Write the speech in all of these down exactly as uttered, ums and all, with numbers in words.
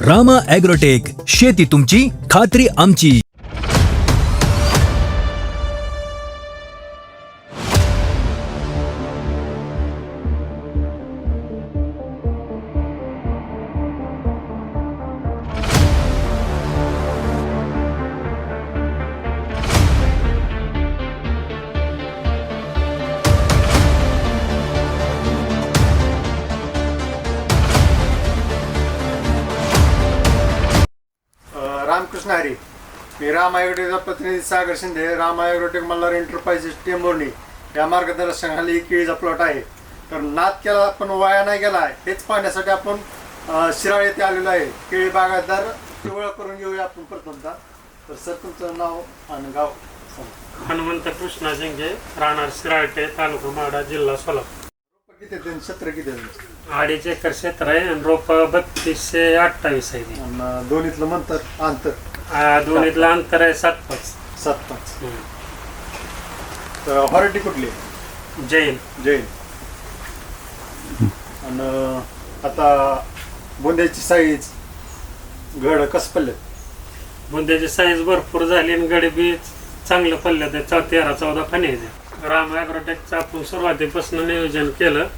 Rama agrotech, शेती तुमची, खात्री आमची. रामकृष्ण हरी. मी राम ॲग्रोटेकचा प्रतिनिधी सागर शिंदे. राम ॲग्रोटेक मल्हार एंटरप्राइजेस टेंभुर्णी या मार्गदर्शनाखाली एक केळीचा प्लॉट आहे. तर नाद केला पण वाया नाही गेला, हेच पाहण्यासाठी आपण शिराळ येथे आलेलो आहे. केळी बागायतदार ओळख करून घेऊया आपण प्रथमतः. तर सर, तुमचं नाव आणि गाव सांगा. हनुमंत कृष्णा जंगे, राहणार शिराळटे, तालुका माडा, जिल्हा सोलापूर. किती आहे क्षेत्र किती आहे? अडीच एकर क्षेत्र आहे आणि रोप बत्तीसशे अठ्ठावीस आहे. आणि दोन्हीतलं मंतर अंतर आ, दोन्हीतलं अंतर आहे सात पाच सात पाच. तर व्हरायटी कुठली? जैन. जैन. आणि आता बुंद्याची साईज घड कसं पडले? बुंद्याची साईज भरपूर झाली आणि गडी बी चांगलं पडलं. ते चौ तेरा चौदा फणी आहे. राम ॲग्रोटेकचं आपण सुरुवातीपासून नियोजन केलं.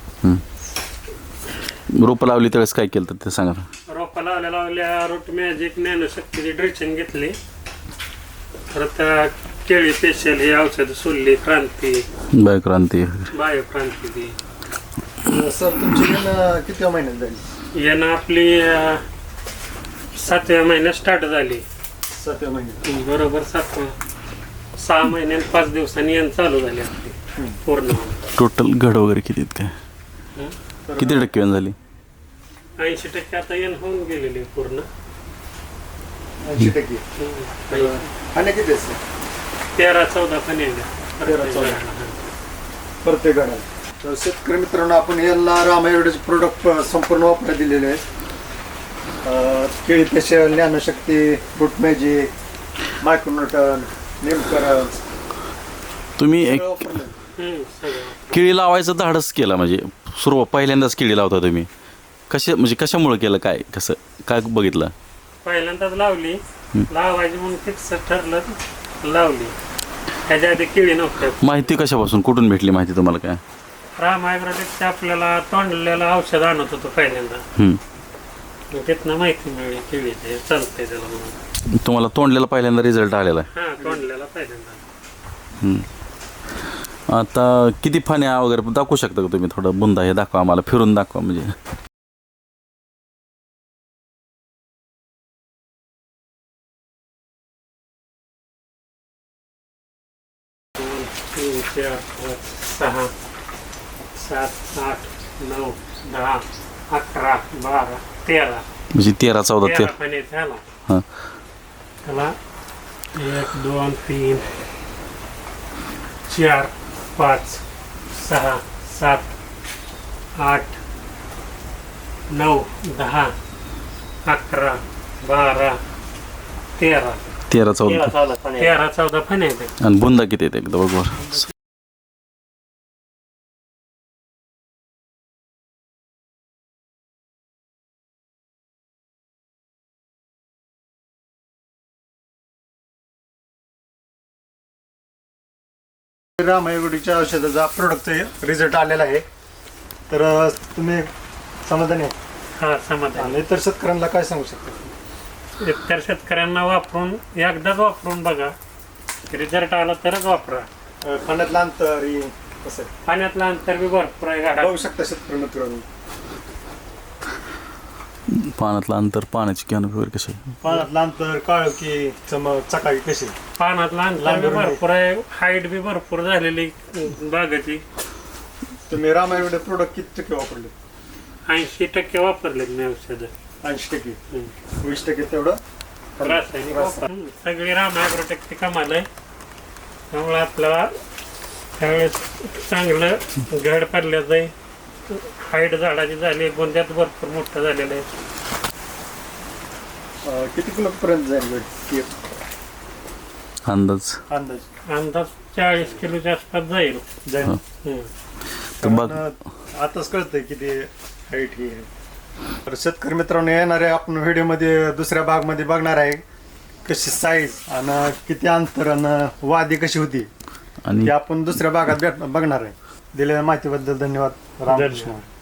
रोपं लावली त्यावेळेस काय केलं ते सांगा. रोपं लावल्या लावल्या रूट मॅजिक नॅनोशक्तीची ड्रिचिंग घेतली. परत केळी स्पेशल हे औषध सोडली, क्रांती, बायोक्रांती बायोक्रांती ती. सर, तुमची येणं किती महिन्यात झाली? यानं आपली अं, सातव्या महिन्यात स्टार्ट झाली. सातव्या महिन्यात. बरोबर सातव्या सहा महिन्यात पाच दिवसांनी यान चालू झाली आपली पूर्ण. टोटल घड वगैरे किती आहेत काय? किती टक्के वाण झाली? ऐंशी टक्के आता यान होऊन गेलेली पूर्ण. ऐंशी टक्के. आणि किती असते? तेरा चौदा पण तेरा चौदा. प्रत्येक घडाला. तर शेतकरी मित्रांनो, आपण यांना राम ॲग्रोटेकचे प्रोडक्ट संपूर्ण वापरायला दिलेले आहेत. केळी स्पेशल, ज्ञानशक्ती, रूट मॅजिक, मायक्रोन्यूटन, नेमकरण तुम्ही एक सगळं. केळी लावायचं धाडस केला म्हणजे सुरुवात पहिल्यांदाच केळी लावता तुम्ही कशा म्हणजे कशामुळे केलं, काय कसं काय बघितलं? पहिल्यांदाच लावली, लावायची म्हणून फिक्स ठरलं, लावली. ह्याच्या आधी केळी नव्हत्या. माहिती कशापासून कुठून भेटली माहिती तुम्हाला काय? राम ॲग्रोटेकचे आपल्याला तोंडलेलं औषध आणत होतो पहिल्यांदा. हम्म. तिथनं माहिती मिळली केळीचे चालतंय त्याला म्हणून. तुम्हाला तोंडलेला पहिल्यांदा रिझल्ट आलेला आहे? हा, तोंडलेला पहिल्यांदा. हम्म. आता किती फाण्या वगैरे दाखवू शकता का तुम्ही? थोडं बुंदा हे दाखवा आम्हाला, फिरून दाखवा म्हणजे. दोन तीन चार पाच सहा सात आठ नऊ दहा अकरा बारा तेरा म्हणजे तेरा चौदा तेरा तेरा पाणी झाला. हां. त्याला एक दोन तीन चार पाच सहा सात आठ नऊ दहा अकरा बारा तेरा तेरा चौदा तेरा चौदा फणी आहेत. आणि बुंदा किती येते एकदा बरोबर? राम ॲग्रोटेकच्या औषधाचा प्रोडक्टचा रिझल्ट आलेला आहे. तर तुम्ही समाधानी आहे? हा, समाधान. आणि इतर शेतकऱ्यांना काय सांगू शकता? इतर शेतकऱ्यांना वापरून एकदाच वापरून बघा, रिझल्ट आला तरच वापरा. पाण्यातलं अंतर हे कसं आहे? पाण्यातलं अंतर बी भरपूर आहे गाडा. बघू शकता शेतकरी मित्रांनो. पाण्यातलं अंतर, पाण्याची कॅन वगैरे कशी आहे? पाण्यातलं अंतर, काळकी, चमक, चकाकी कशी? पाण्यातलं अंतर बी भरपूर आहे, हाईट बी भरपूर झालेली बागाची. तुम्ही राम ॲग्रोटेक प्रोडक्ट किती टक्के वापरले? ऐंशी टक्के वापरले मी औषध. ऐंशी टक्के. वीस टक्के तेवढं रासायनिक वापर. सगळी राम ॲग्रोटेकची कमाल आहे. त्यामुळे आपल्याला त्यावेळेस चांगलं घड पडल्याचं आहे. हाईट झाडाची झाली, गोंद्यात भरपूर मोठं झालेलं आहे. किती किलो पर्यंत जाईल अंदाज? अंदाज अंदाज चाळीस किलोच्या आसपास जाईल. जाईल. तर बघ आताच कळतंय किती हाईट ही आहे. तर शेतकरी मित्रांनो, येणाऱ्या आपण व्हिडिओमध्ये दुसऱ्या भागमध्ये बघणार आहे कशी साईज आणि किती अंतर आणि वादी कशी होती आणि ते आपण दुसऱ्या भागात भेट बघणार आहे. दिलेल्या माहितीबद्दल धन्यवाद. रामकृष्ण.